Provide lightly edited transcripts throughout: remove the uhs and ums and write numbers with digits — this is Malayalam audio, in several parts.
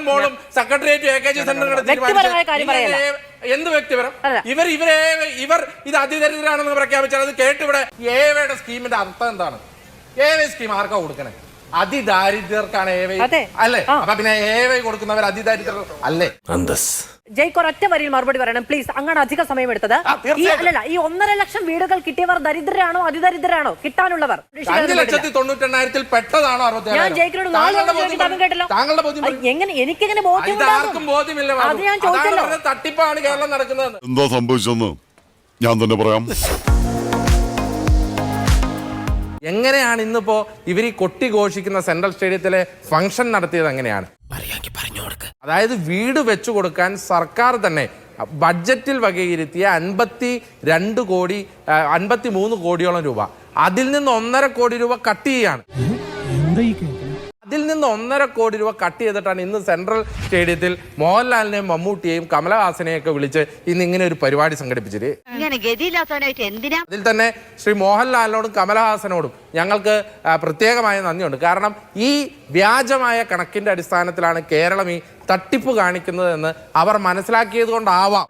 മോളും സെക്രട്ടേറിയറ്റ് AKG സെന്ററും എന്ത് വ്യക്തിപരം? ഇവർ ഇത് അതിദരിദ്രാണെന്ന് പ്രഖ്യാപിച്ചാൽ അത് കേട്ട് ഇവിടെ ഏവയുടെ സ്കീമിന്റെ അർത്ഥം എന്താണ്? ഏവ സ്കീം ആർക്കാ കൊടുക്കണേ? അതിദാരിദ്ര്യർക്കാണ് ഏവ അല്ലേ? അപ്പൊ പിന്നെ ഏവ കൊടുക്കുന്നവർ അതിദാരിദ്ര്യർ അല്ലേ? ജയ്ക്ക് ഒരൊറ്റ വരിയിൽ മറുപടി പറയണം പ്ലീസ്. അങ്ങനെ അധിക സമയം എടുത്തത് അല്ലല്ല. ഈ 1.5 ലക്ഷം വീടുകൾ കിട്ടിയവർ ദരിദ്രരാണോ അതിദരിദ്രരാണോ കിട്ടാനുള്ളവർ? 5,98,000 പെട്ടതാണോ? ഞാൻ ജയ്ക്കിനോട് കേട്ടല്ലോ. എങ്ങനെ എനിക്കെങ്ങനെ ബോധ്യമില്ല? അത് ഞാൻ ചോദിച്ചല്ലോ. തട്ടിപ്പാണ് കേരളം നടക്കുന്നത്. എന്താ സംഭവിച്ചെന്ന് ഞാൻ തന്നെ പറയാം. എങ്ങനെയാണ് ഇന്നിപ്പോ ഇവർ ഈ കൊട്ടിഘോഷിക്കുന്ന സെൻട്രൽ സ്റ്റേഡിയത്തിലെ ഫംഗ്ഷൻ നടത്തിയത്? എങ്ങനെയാണ്? അതായത് വീട് വെച്ചു കൊടുക്കാൻ സർക്കാർ തന്നെ ബഡ്ജറ്റിൽ വകയിരുത്തിയ 53 കോടിയോളം രൂപ, അതിൽ നിന്ന് 1.5 കോടി രൂപ കട്ട് ചെയ്യാണ്. അതിൽ നിന്ന് 1.5 കോടി രൂപ കട്ട് ചെയ്തിട്ടാണ് ഇന്ന് സെൻട്രൽ സ്റ്റേഡിയത്തിൽ മോഹൻലാലിനെയും മമ്മൂട്ടിയെയും കമലഹാസനെയും ഒക്കെ വിളിച്ച് ഇന്ന് ഇങ്ങനെ ഒരു പരിപാടി സംഘടിപ്പിച്ചത്. അതിൽ തന്നെ ശ്രീ മോഹൻലാലിനോടും കമലഹാസനോടും ഞങ്ങൾക്ക് പ്രത്യേകമായ നന്ദിയുണ്ട്. കാരണം ഈ വ്യാജമായ കണക്കിന്റെ അടിസ്ഥാനത്തിലാണ് കേരളം ഈ തട്ടിപ്പ് കാണിക്കുന്നത് എന്ന് അവർ മനസ്സിലാക്കിയത് കൊണ്ടാവാം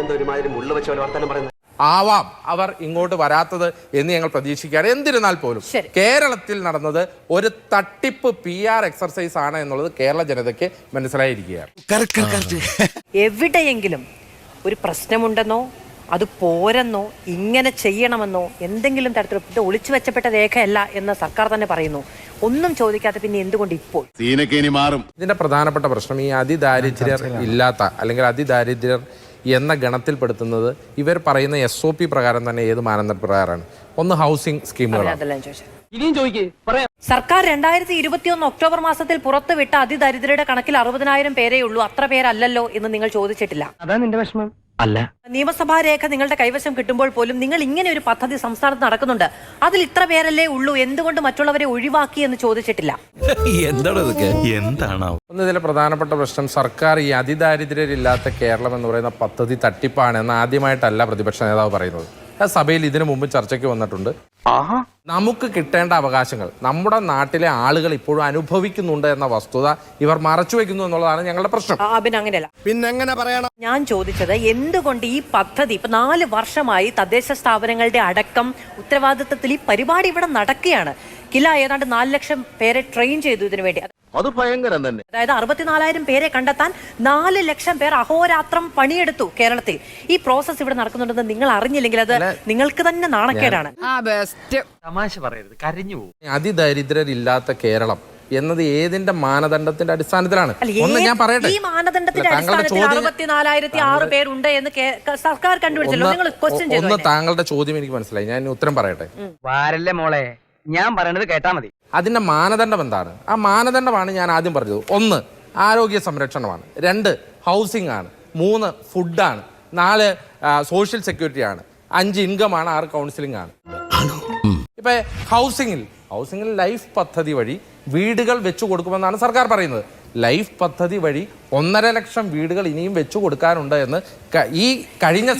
അവർ ഇങ്ങോട്ട് വരാത്തത് എന്ന് ഞങ്ങൾ പ്രതീക്ഷിക്കുകയാണ്. എന്നിരുന്നാൽ പോലും കേരളത്തിൽ നടന്നത് ഒരു തട്ടിപ്പ് PR എക്സർസൈസ് ആണ് എന്നുള്ളത് കേരള ജനതയ്ക്ക് മനസ്സിലായിരിക്കുകയാണ്. എവിടെയെങ്കിലും ഒരു പ്രശ്നമുണ്ടെന്നോ അത് പോരെന്നോ ഇങ്ങനെ ചെയ്യണമെന്നോ എന്തെങ്കിലും തരത്തിലുള്ള ഒളിച്ചു വെച്ചപ്പെട്ട രേഖയല്ല എന്ന് സർക്കാർ തന്നെ പറയുന്നു. ഒന്നും ചോദിക്കാതെ പിന്നെ എന്തുകൊണ്ട് ഇപ്പോൾ ഇതിന്റെ പ്രധാനപ്പെട്ട പ്രശ്നം ഈ അതിദാരിദ്ര്യർ ഇല്ലാത്ത അല്ലെങ്കിൽ അതിദാരിദ്ര്യർ എന്ന ഗണത്തിൽപ്പെടുത്തുന്നത് ഇവർ പറയുന്ന SOP പ്രകാരം തന്നെ ഏത് മാനദണ്ഡ പ്രകാരമാണ്? ഒന്ന് ഹൗസിംഗ് സ്കീമുകളാണ്. സർക്കാർ 2021 ഒക്ടോബർ മാസത്തിൽ പുറത്തുവിട്ട അതിദരിദ്രരുടെ കണക്കിൽ 60,000 പേരേ ഉള്ളൂ. അത്ര പേരല്ലല്ലോ എന്ന് നിങ്ങൾ ചോദിച്ചിട്ടില്ല. അതാ നിന്റെ വിഷമം അല്ല. നിയമസഭാ രേഖ നിങ്ങളുടെ കൈവശം കിട്ടുമ്പോൾ പോലും നിങ്ങൾ ഇങ്ങനെ ഒരു പദ്ധതി സംസ്ഥാനത്ത് നടക്കുന്നുണ്ട്, അതിൽ ഇത്ര പേരല്ലേ ഉള്ളൂ, എന്തുകൊണ്ട് മറ്റുള്ളവരെ ഒഴിവാക്കി എന്ന് ചോദിച്ചിട്ടില്ല. ഒന്ന് ഇതിലെ പ്രധാനപ്പെട്ട പ്രശ്നം സർക്കാർ ഈ അതിദാരിദ്ര്യരില്ലാത്ത കേരളം എന്ന് പറയുന്ന പദ്ധതി തട്ടിപ്പാണ് എന്ന് ആദ്യമായിട്ടല്ല പ്രതിപക്ഷ നേതാവ് പറയുന്നത്. സഭയിൽ ഇതിനു മുമ്പ് ചർച്ചയ്ക്ക് വന്നിട്ടുണ്ട്. നമുക്ക് കിട്ടേണ്ട അവകാശങ്ങൾ നമ്മുടെ നാട്ടിലെ ആളുകൾ ഇപ്പോഴും അനുഭവിക്കുന്നുണ്ട് എന്ന വസ്തുത ഇവർ മറച്ചു വെക്കുന്നു എന്നുള്ളതാണ് ഞങ്ങളുടെ പ്രശ്നം. അങ്ങനെയല്ല, പിന്നെങ്ങനെ പറയണം? ഞാൻ ചോദിച്ചത് എന്തുകൊണ്ട് ഈ പദ്ധതി ഇപ്പൊ 4 വർഷമായി തദ്ദേശ സ്ഥാപനങ്ങളുടെ അടക്കം ഉത്തരവാദിത്വത്തിൽ ഈ പരിപാടി ഇവിടെ നടക്കുകയാണ്. ഏതാണ്ട് 4 ലക്ഷം പേരെ ട്രെയിൻ ചെയ്തു ഇതിനു വേണ്ടി. അത് ഭയങ്കരം തന്നെ. അതായത് 64,000 പേരെ കണ്ടെത്താൻ 4 ലക്ഷം പേർ അഹോരാത്രം പണിയെടുത്തു കേരളത്തിൽ. ഈ പ്രോസസ് ഇവിടെ നടക്കുന്നുണ്ടെന്ന് നിങ്ങൾ അറിഞ്ഞില്ലെങ്കിൽ അത് നിങ്ങൾക്ക് തന്നെ നാണക്കേടാണ്. തമാശ പറയരുത്, കരഞ്ഞു പോകും. അതിദരിദ്രരില്ലാത്ത കേരളം എന്നത് ഏതിന്റെ മാനദണ്ഡത്തിന്റെ അടിസ്ഥാനത്തിലാണ്? ഒന്ന് ഞാൻ പറയട്ടെ. ഈ മാനദണ്ഡത്തിന്റെ അടിസ്ഥാനത്തിൽ 64,006 പേരുണ്ട് എന്ന് സർക്കാർ കണ്ടുപിടിച്ചല്ലോ. നിങ്ങൾ ക്വസ്റ്റ്യൻ ചെയ്തു. ഒന്ന് താങ്കളുടെ ചോദ്യം എനിക്ക് മനസ്സിലായി, ഞാൻ ഉത്തരം പറയട്ടെ. വാരല്ലേ മോളെ, ഞാൻ പറയണത് കേട്ടാ മതി. അതിന്റെ മാനദണ്ഡം എന്താണ്? ആ മാനദണ്ഡമാണ് ഞാൻ ആദ്യം പറഞ്ഞത്. 1 ആരോഗ്യ സംരക്ഷണമാണ്, 2 ഹൗസിംഗ് ആണ്, 3 ഫുഡാണ്, 4 സോഷ്യൽ സെക്യൂരിറ്റി ആണ്, 5 ഇൻകം ആണ്, 6 കൗൺസിലിംഗ് ആണ്. ഇപ്പൊ ഹൗസിംഗിൽ ലൈഫ് പദ്ധതി വഴി വീടുകൾ വെച്ചു കൊടുക്കുമെന്നാണ് സർക്കാർ പറയുന്നത്. ലൈഫ് പദ്ധതി വഴി 1.5 ലക്ഷം വീടുകൾ ഇനിയും വെച്ചു കൊടുക്കാനുണ്ട് എന്ന് ഈ കഴിഞ്ഞ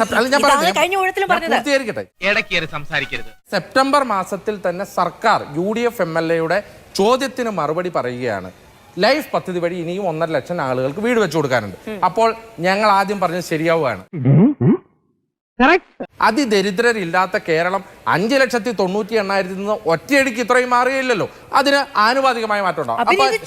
സെപ്റ്റംബർ മാസത്തിൽ തന്നെ സർക്കാർ UDF MLA ചോദ്യത്തിന് മറുപടി പറയുകയാണ്. ലൈഫ് പദ്ധതി വഴി ഇനിയും 1.5 ലക്ഷം ആളുകൾക്ക് വീട് വെച്ചു കൊടുക്കാനുണ്ട്. അപ്പോൾ ഞങ്ങൾ ആദ്യം പറഞ്ഞത് ശരിയാവുകയാണ്. അതിദരിദ്രരില്ലാത്ത കേരളം 5,98,800 നിന്ന് ഒറ്റയടിക്ക് ഇത്രയും മാറുകയില്ലല്ലോ. അതിന് ആനുപാതികമായ മാറ്റം ഉണ്ടാവും.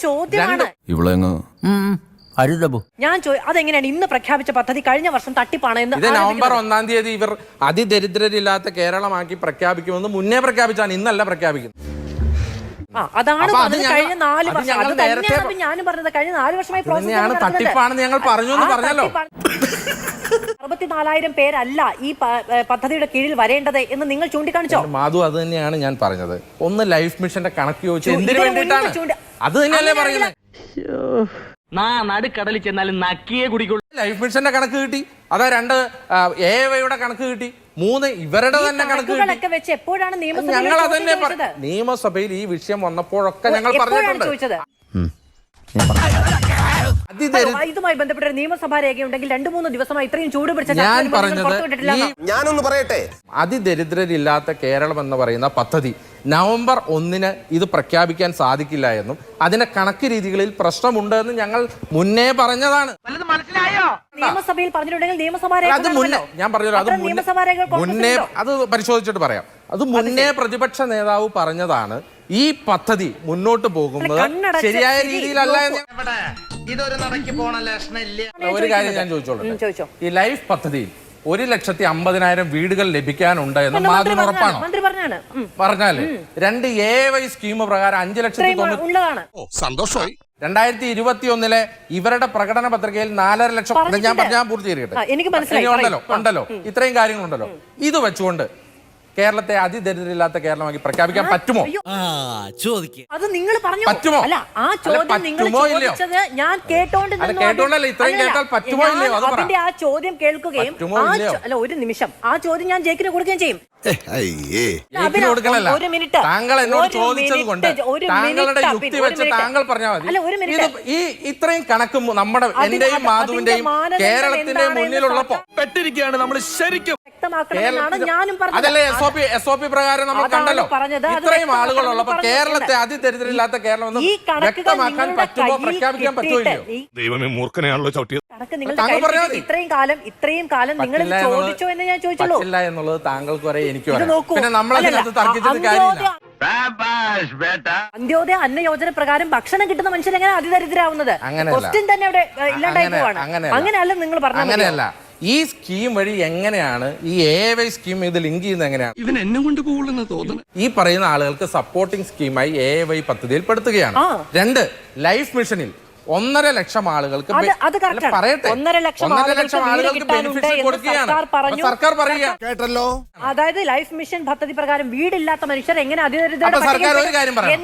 ഞാൻ അതെങ്ങനെയാണ് ഇന്ന് പ്രഖ്യാപിച്ച പദ്ധതി കഴിഞ്ഞ വർഷം തട്ടിപ്പാണ് എന്ന്? ഇത് നവംബർ 1-ാം തീയതി ഇവർ അതിദരിദ്രരില്ലാത്ത കേരളമാക്കി പ്രഖ്യാപിക്കുമെന്ന് മുന്നേ പ്രഖ്യാപിച്ചാണ്, ഇന്നല്ല പ്രഖ്യാപിക്കുന്നത്. അതാണ് കഴിഞ്ഞ 4 വർഷം. ഞാനും പറഞ്ഞത് കഴിഞ്ഞ 4 വർഷമായി തട്ടിപ്പാണെന്ന് ഞങ്ങൾ പറഞ്ഞു എന്ന് പറഞ്ഞല്ലോ. 64,000 പേരല്ല ഈ പദ്ധതിയുടെ കീഴിൽ വരേണ്ടത് എന്ന് നിങ്ങൾ ചൂണ്ടിക്കാണിച്ചോ? മാധു, അത് തന്നെയാണ് ഞാൻ പറഞ്ഞത്. ഒന്ന് ലൈഫ് മിഷന്റെ കണക്ക് ചോദിച്ചു എന്തിനു വേണ്ടിയിട്ടാണ്? അത് തന്നെയല്ലേ പറയുന്നത്. നടുക്കടലിൽ ചെന്നാലും നക്കിയേ കുടിക്കുള്ളൂ. ലൈഫ് മിഷന്റെ കണക്ക് കിട്ടി, അതാ 2 AAYയുടെ കണക്ക് കിട്ടി, 3 ഇവരുടെ തന്നെ കണക്ക് കിട്ടി. എപ്പോഴാണ് ഞങ്ങൾ അതന്നെ നിയമസഭയിൽ ഈ വിഷയം വന്നപ്പോഴൊക്കെ ഞങ്ങൾ പറഞ്ഞിട്ടുണ്ട്. ഇതുമായി ബന്ധപ്പെട്ട ഒരു നിയമസഭാ രേഖയുണ്ടെങ്കിൽ 2-3 ദിവസമായി ഇത്രയും ചൂട് പിടിച്ച ഞാൻ പറഞ്ഞത് ഞാനൊന്ന് പറയട്ടെ, അതിദരിദ്രരില്ലാത്ത കേരളം എന്ന് പറയുന്ന പദ്ധതി നവംബർ 1-ന് ഇത് പ്രഖ്യാപിക്കാൻ സാധിക്കില്ല എന്നും അതിന്റെ കണക്ക് രീതികളിൽ പ്രശ്നമുണ്ട് എന്ന് ഞങ്ങൾ മുന്നേ പറഞ്ഞതാണ്. മനസ്സിലായോ? നിയമസഭയിൽ പറഞ്ഞിട്ടുണ്ടെങ്കിൽ നിയമസഭാ അത് മുന്നേ ഞാൻ പറഞ്ഞല്ലോ, അത് മുന്നേ അത് പരിശോധിച്ചിട്ട് പറയാം. അത് മുന്നേ പ്രതിപക്ഷ നേതാവ് പറഞ്ഞതാണ്. ഈ പദ്ധതി മുന്നോട്ട് പോകുന്നത് ശരിയായ രീതിയിലല്ല എന്ന് ഇതൊരു നടക്കി പോണ ലക്ഷണില്ല. ഒരു കാര്യം ഞാൻ ചോദിച്ചോളൂ. ഈ ലൈഫ് പദ്ധതിയിൽ 1,50,000 വീടുകൾ ലഭിക്കാനുണ്ട് എന്ന് മാധ്യമം ഉറപ്പാണോ? പറഞ്ഞാല് 2 AY സ്കീം പ്രകാരം 5,90,000 സന്തോഷമായി. 2021 ഇവരുടെ പ്രകടന പത്രികയിൽ 4.5 ലക്ഷം. ഞാൻ പൂർത്തീകരിക്കട്ടെ. ഉണ്ടല്ലോ ഇത്രയും കാര്യങ്ങളുണ്ടല്ലോ. ഇത് വെച്ചുകൊണ്ട് കേരളത്തെ അതിദരിദ്രമില്ലാത്ത കേരളമാക്കി പ്രഖ്യാപിക്കാൻ പറ്റുമോ? അത് നിങ്ങൾ പറഞ്ഞു. പറ്റുമോ? അല്ല, ആ ചോദ്യം നിങ്ങൾ ചോദിച്ചത് ഞാൻ കേട്ടോണ്ടല്ലേ ഇത്രയും കേട്ടാൽ പറ്റുമോ ഇല്ലയോ? അതിന്റെ ആ ചോദ്യം കേൾക്കുകയും അല്ല, ഒരു നിമിഷം ആ ചോദ്യം ഞാൻ ജയിക്കിന് കൊടുക്കുകയും ചെയ്യും. ഒരു മിനിറ്റ് താങ്കൾ എന്നോട് ചോദിച്ചത് കൊണ്ട് താങ്കളുടെ യുക്തി വെച്ച് താങ്കൾ പറഞ്ഞാൽ മതി. ഈ ഇത്രയും കണക്ക് നമ്മുടെ എന്റെയും മാധുവിന്റെയും കേരളത്തിന്റെ മുന്നിലുള്ളപ്പോ പെട്ടിരിക്കുകയാണ് നമ്മൾ ശരിക്കും. അതല്ലേ SOP പ്രകാരം നമ്മൾ കണ്ടല്ലോ. ഇത്രയും ആളുകളുള്ളപ്പോ കേരളത്തെ അതിദരിദ്രമില്ലാത്ത കേരളം എന്ന് വ്യക്തമാക്കാൻ പറ്റുമോ, പ്രഖ്യാപിക്കാൻ പറ്റുമോ ഇല്ലയോ? ദൈവമേ, മൂർഖനെയാണല്ലോ ചവിട്ടിയത്. ഇത്രയും കാലം നിങ്ങൾ ചോദിച്ചോ എന്ന് ഞാൻ ചോദിച്ചുള്ളൂ. പറ്റില്ല എന്നുള്ളത് താങ്കൾക്ക് വരെ എനിക്ക് പിന്നെ നമ്മളതിനകത്ത് തർക്കിച്ചത് കാര്യമില്ല. അന്ത്യോദയ അന്ന യോജന പ്രകാരം ഭക്ഷണം കിട്ടുന്ന മനുഷ്യർ എങ്ങനെ അതിദരിദ്രാവുന്നത്? ക്വസ്റ്റ്യൻ തന്നെ അവിടെ ഇല്ലാണ്ടായി പോവാണ്. അങ്ങനെയല്ല നിങ്ങൾ പറഞ്ഞത്. അങ്ങനെയല്ല. ഈ സ്കീം വഴി എങ്ങനെയാണ് ഈ AY സ്കീം ഇത് ലിങ്ക് ചെയ്യുന്നത്? എങ്ങനെയാണ് ഇവൻ എന്നെ കൊണ്ട് പോകുള്ളെന്ന് തോന്നുന്നു. ഈ പറയുന്ന ആളുകൾക്ക് സപ്പോർട്ടിംഗ് സ്കീമായി AY പദ്ധതിയിൽ പെടുത്തുകയാണ്. 2 ലൈഫ് മിഷനിൽ 1.5 ലക്ഷം ആളുകൾക്ക് പറയട്ടെ 1.5 ലക്ഷം ആളുകൾക്ക് ബെനിഫിറ്റ് കൊടുക്കുകയാണ് സർക്കാർ പറയുക. കേട്ടല്ലോ. അതായത് ലൈഫ് മിഷൻ പദ്ധതി പ്രകാരം വീടില്ലാത്ത മനുഷ്യർ എങ്ങനെ സർക്കാർ ഒരു കാര്യം പറയാം.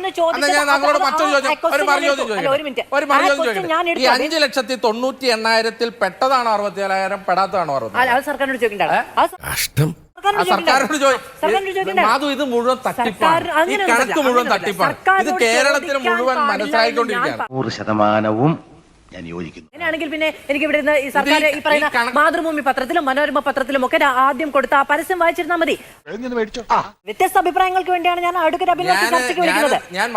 ഒരു മറുചോദ്യം ചോദിക്കട്ടെ. ഈ 5,98,000 പെട്ടതാണോ 64,000 പെടാത്തതാണോ? സർക്കാരിനോട് ചോദിക്കണ്ട. മാധു, ഇത് മുഴുവൻ തട്ടിപ്പാണ്. ഈ കണക്ക് മുഴുവൻ തട്ടിപ്പാണ്. ഇത് കേരളത്തിന് മുഴുവൻ മനസ്സിലായിക്കൊണ്ടിരിക്കുകയാണ്. 100% ഞാൻ യോജിക്കുന്നു. അങ്ങനെയാണെങ്കിൽ പിന്നെ എനിക്ക് ഇവിടെ ഈ സർക്കാർ ഈ പറയുന്ന മാതൃഭൂമി പത്രത്തിലും മനോരമ പത്രത്തിലും ഒക്കെ ആദ്യം കൊടുത്ത ആ പരസ്യം വായിച്ചിരുന്നാൽ മതി. വ്യത്യസ്ത അഭിപ്രായങ്ങൾക്ക് വേണ്ടിയാണ് ഞാൻ അഡ്വക്കേറ്റ് അഭിലാഷ് ചർച്ചയ്ക്ക് വിളിക്കുന്നത്.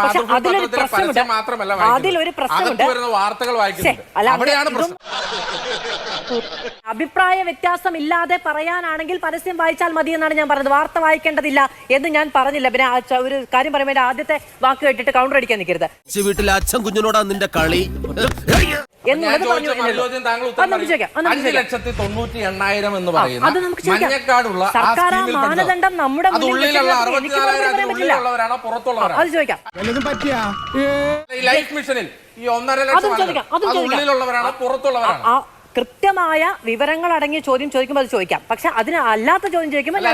അതിലൊരു പ്രശ്നമുണ്ട്. വാർത്തകൾ വായിക്കുന്നുണ്ട്. അഭിപ്രായ വ്യത്യാസം ഇല്ലാതെ പറയാനാണെങ്കിൽ പരസ്യം വായിച്ചാൽ മതി എന്നാണ് ഞാൻ പറഞ്ഞത്. വാർത്ത വായിക്കേണ്ടതില്ല എന്ന് ഞാൻ പറഞ്ഞില്ല. പിന്നെ ഒരു കാര്യം പറയുമ്പോൾ ആദ്യത്തെ വാക്ക് കേട്ടിട്ട് കൗണ്ടർ അടിക്കാൻ നിൽക്കരുത്. വീട്ടിലെ അച്ഛൻ കുഞ്ഞിനോടാ നിന്റെ കളി എന്നുള്ളത് പറഞ്ഞു. 5,98,000 എന്ന് പറയുന്ന മഞ്ഞക്കാടുള്ള സർക്കാർ മാനദണ്ഡം നമ്മുടെ ഉള്ളിലുള്ളവരാണോ പുറത്തുള്ളവരാണോ? അത് ചോദിക്കാം. ലൈഫ് മിഷനിൽ ഈ 1.5 ലക്ഷം ഉള്ളിലുള്ളവരാണോ പുറത്തുള്ളവരാണോ? കൃത്യമായ വിവരങ്ങൾ അടങ്ങിയ ചോദ്യം ചോദിക്കുമ്പോൾ അത് ചോദിക്കാം. പക്ഷെ അതിന് അല്ലാത്ത ചോദ്യം ചോദിക്കുമ്പോൾ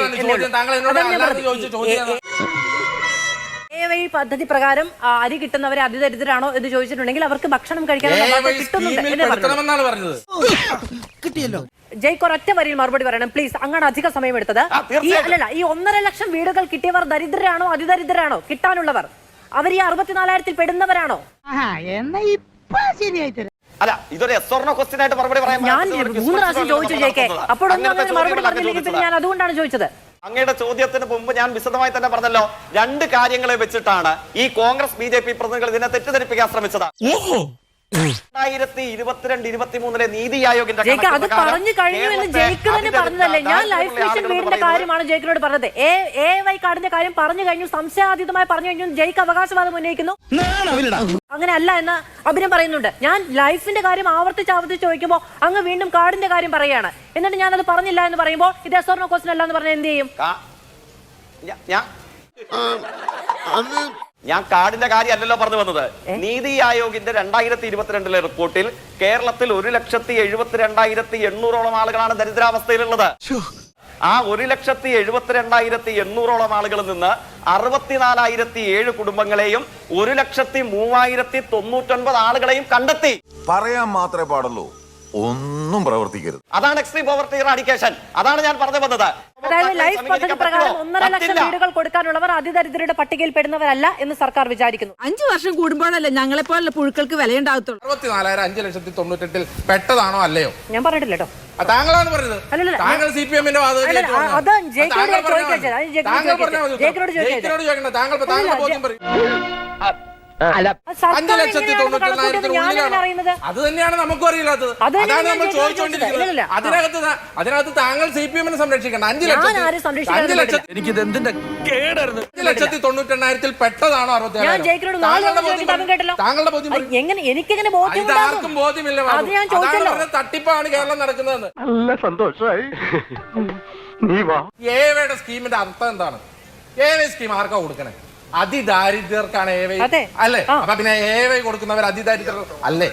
AY പദ്ധതി പ്രകാരം അരി കിട്ടുന്നവരെ അതിദരിദ്രരാണോ എന്ന് ചോദിച്ചിട്ടുണ്ടെങ്കിൽ അവർക്ക് ഭക്ഷണം കഴിക്കാൻ കിട്ടിയല്ലോ. ജയ്ക്ക് ഒരൊറ്റ വരിയിൽ മറുപടി പറയണം പ്ലീസ്. അങ്ങനെ അധിക സമയം എടുത്തത് അല്ലല്ല. ഈ 1.5 ലക്ഷം വീടുകൾ കിട്ടിയവർ ദരിദ്രരാണോ അതിദരിദ്രരാണോ? കിട്ടാനുള്ളവർ അവർ ഈ 64,000 പെടുന്നവരാണോ? അല്ല, ഇതൊരു ക്വസ്റ്റ്യൻ ആയിട്ട് മറുപടി പറയാൻ ഞാൻ 3 പ്രാവശ്യം ചോദിച്ചു ജയ്ക്ക്. അപ്പോഴൊന്നും അങ്ങനെ മറുപടി പറഞ്ഞില്ലെങ്കിൽ പിന്നെ ഞാൻ അതുകൊണ്ടാണ് ചോദിച്ചത്. അങ്ങയുടെ ചോദ്യത്തിന് മുമ്പ് ഞാൻ വിശദമായി തന്നെ പറഞ്ഞല്ലോ. 2 കാര്യങ്ങളെ വെച്ചിട്ടാണ് ഈ കോൺഗ്രസ് BJP പ്രതിനിധികൾ ഇതിനെ തെറ്റിദ്ധരിപ്പിക്കാൻ ശ്രമിച്ചത്. 2022-23 നീതി ആയോഗിന്റെ അത് പറഞ്ഞു കഴിഞ്ഞു എന്ന് ജയിക്ക് തന്നെ പറഞ്ഞതല്ലേ? ഞാൻ ലൈഫ് മിഷൻ വീടിന്റെ കാര്യമാണ് ജയിക്കിനോട് പറഞ്ഞത്. AY കാർഡിന്റെ കാര്യം പറഞ്ഞു കഴിഞ്ഞു, സംശയാതീതമായി പറഞ്ഞു കഴിഞ്ഞു. ജയിക്ക് അവകാശവാദം ഉന്നയിക്കുന്നു. അങ്ങനെ അല്ല എന്ന് അഭിനയം പറയുന്നുണ്ട്. ഞാൻ ലൈഫിന്റെ കാര്യം ആവർത്തിച്ച് ചോദിക്കുമ്പോൾ അങ്ങ് വീണ്ടും കാർഡിന്റെ കാര്യം പറയുകയാണ്. എന്നിട്ട് ഞാനത് പറഞ്ഞില്ല എന്ന് പറയുമ്പോൾ ഇത് എസ്വർണോ ക്വസ്റ്റൻ അല്ല എന്ന് പറഞ്ഞാൽ എന്ത് ചെയ്യും? ഞാൻ കാർഡിന്റെ കാര്യമല്ലല്ലോ പറഞ്ഞു വന്നത്. നീതി ആയോഗിന്റെ 2022 റിപ്പോർട്ടിൽ കേരളത്തിൽ 1,72,800 ആളുകളാണ് ദരിദ്രാവസ്ഥയിലുള്ളത്. ആ 1,72,800 ആളുകളിൽ നിന്ന് 64,007 കുടുംബങ്ങളെയും 1,03,099 ആളുകളെയും കണ്ടെത്തി. പറയാൻ മാത്രമേ പാടുള്ളൂ, ഒന്നും പ്രവർത്തിക്കരുത്. അതാണ് എക്സ്ട്രീം പോവർട്ടി എറാഡിക്കേഷൻ. അതാണ് ഞാൻ പറഞ്ഞു വന്നത്. അതായത് ലൈഫ് പദ്ധതി സമീപിക്കാൻ പ്രകാരം പറ്റുമോ? 1.5 ലക്ഷം പറ്റില്ല. വീടുകൾ കൊടുക്കാനുള്ളവർ അതിദരിദ്രരുടെ പട്ടികയിൽ പെടുന്നവരല്ല എന്ന് സർക്കാർ വിചാരിക്കുന്നു. 5 വർഷം കൂടുമ്പോഴല്ലേ ഞങ്ങളെ പോലുള്ള പുഴുക്കൾക്ക് വിലയുണ്ടാകത്തുള്ളൂ. 64,598 പെട്ടതാണോ അല്ലയോ? ഞാൻ പറഞ്ഞിട്ടില്ല കേട്ടോ. താങ്കളാണ് പറഞ്ഞത്. അല്ലല്ല, താങ്കൾ CPM-ന്റെ വാദം അല്ല, അത് ജയിക്കിനോട് ഞാൻ ചോദിക്കാം. ജയിക്കിനോട് ചോദിക്കാം. താങ്കൾ ബോധ്യം പറയും. സർക്കാർ 5,99,000 ഞാനെങ്ങനെ അറിയുന്നത്? അത് തന്നെയാണ് നമുക്കും അറിയില്ലാത്തത്. അത് തന്നെയാണ് അതാണ് നമ്മൾ ഞാൻ ചോദിച്ചുകൊണ്ടിരിക്കുന്നത്. ഇല്ലല്ല. അതിനകത്ത് താങ്കൾ CPM-നെ സംരക്ഷിക്കണം. 5 ഞാൻ ആരും സംരക്ഷിക്കാൻ പറ്റില്ല. എനിക്കിത് എന്തിന്റെ കേടായിരുന്നു. 5,98,000 പെട്ടതാണോ ഞാൻ ജയിക്കിനോട് 4 തവണ ചോദിച്ചിട്ട് അവൻ കേട്ടല്ലോ. താങ്കളുടെ ബോധ്യം അത് എങ്ങനെ എനിക്കെങ്ങനെ ബോധ്യം ഇതാർക്കും ഉണ്ടാകും? ബോധ്യമില്ല. അത് ഞാൻ ചോദിച്ചല്ലോ. തട്ടിപ്പാണ് കേരളം നടക്കുന്നതെന്ന്. നല്ല സന്തോഷമായി. നീ വാ. ഏവയുടെ സ്കീമിന്റെ അർത്ഥം എന്താണ്? ഏവൈ സ്കീം ആർക്കാ കൊടുക്കണേ? അതിദാരിദ്ര്യർക്കാണ് ഏവൈ അതെ. അല്ലേ? അപ്പൊ പിന്നെ ഏവൈ കൊടുക്കുന്നവർ അതിദാരിദ്ര്യർ അല്ലേ?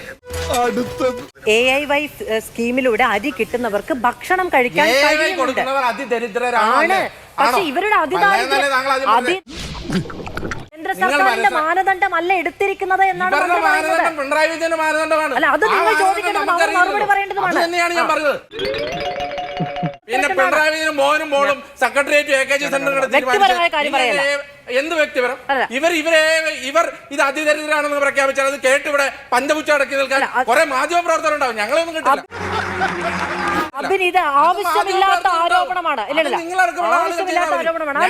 AIY സ്കീമിലൂടെ അരി കിട്ടുന്നവർക്ക് ഭക്ഷണം കഴിക്കാൻ ഏവൈ കഴിയുന്നുണ്ട്. കൊടുക്കുന്നവർ അതിദരിദ്രരാണ്. ആണ്. പക്ഷെ ഇവരുടെ അതിദാരിദ്ര്യം കേന്ദ്ര സർക്കാരിന്റെ മാനദണ്ഡമല്ല എടുത്തിരിക്കുന്നത് എന്നാണ് ഇവരുടെ നമ്മൾ പറയുന്നത്. മാനദണ്ഡം പിണറായി വിജയന്റെ മാനദണ്ഡമാണ്. അല്ല, അത് നിങ്ങൾ ചോദിക്കേണ്ടതും അവർ മറുപടി പറയേണ്ടതുമാണ്. അത് തന്നെയാണ് ഞാൻ പറഞ്ഞത്. പിന്നെ പിണറായി വിജയനും മോനും മോളും സെക്രട്ടേറിയറ്റ് AKG സെന്ററുകൾ വ്യക്തിപരമായ കാര്യം പറയല്ല. എന്ത് വ്യക്തിപരം? അല്ല. ഇവർ ഇത് അതിദരിദ്രരാണെന്ന് പ്രഖ്യാപിച്ചാൽ അത് കേട്ട് ഇവിടെ പഞ്ചപുച്ച അടക്കി നിൽക്കാൻ കുറെ മാധ്യമ പ്രവർത്തകർ ഉണ്ടാവും. ഞങ്ങളൊന്നും കിട്ടില്ല. അബിൻ, ഇത് ആവശ്യമില്ലാത്ത ആരോപണമാണ്. ആവശ്യമില്ലാത്ത ആരോപണമാണ്.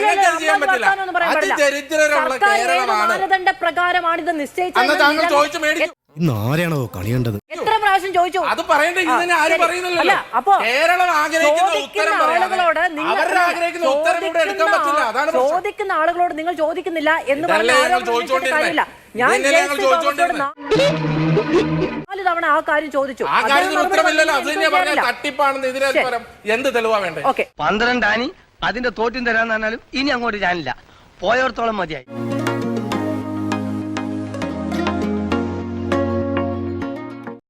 സർക്കാരിന്റെ മാനദണ്ഡ പ്രകാരമാണ് ഇത് നിശ്ചയിച്ചത്. ആരെയാണോ കളിയേണ്ടത്? എത്ര പ്രാവശ്യം ചോദിച്ചു? അത് പറയേണ്ടത് ഇതിനെ ആരും പറയുന്നില്ലല്ലോ. അപ്പോ കേരളം ആഗ്രഹിക്കുന്ന ഉത്തരം ആളുകളോട് അവരുടെ ആഗ്രഹിക്കുന്ന ഉത്തരം കൂടെ എടുക്കാൻ പറ്റില്ല. അതാണ് പ്രശ്നം. ചോദിക്കുന്ന ആളുകളോട് നിങ്ങൾ ചോദിക്കുന്നില്ല എന്ന് ഇതല്ലേ പറഞ്ഞ ഞങ്ങൾ ചോദിച്ചുകൊണ്ടിരുന്നത്. ഞാൻ ഇതല്ലേ ഞങ്ങൾ ചോദിച്ചുകൊണ്ടിരുന്നത്. 4 തവണ ആ കാര്യം ചോദിച്ചു. ആ കാര്യത്തിന് ഉത്തരമില്ലല്ലോ. അത് തന്നെയാ പറഞ്ഞ തട്ടിപ്പാണെന്ന് ഇതിനെ പകരം എന്ത് തെളിവാ വേണ്ടേ? ഓക്കെ, 12 ആനി അതിന്റെ തോറ്റും തരാന്ന് പറഞ്ഞാലും ഇനി അങ്ങോട്ട് ഞാനില്ല. പോയോർത്തോളം മതിയായി.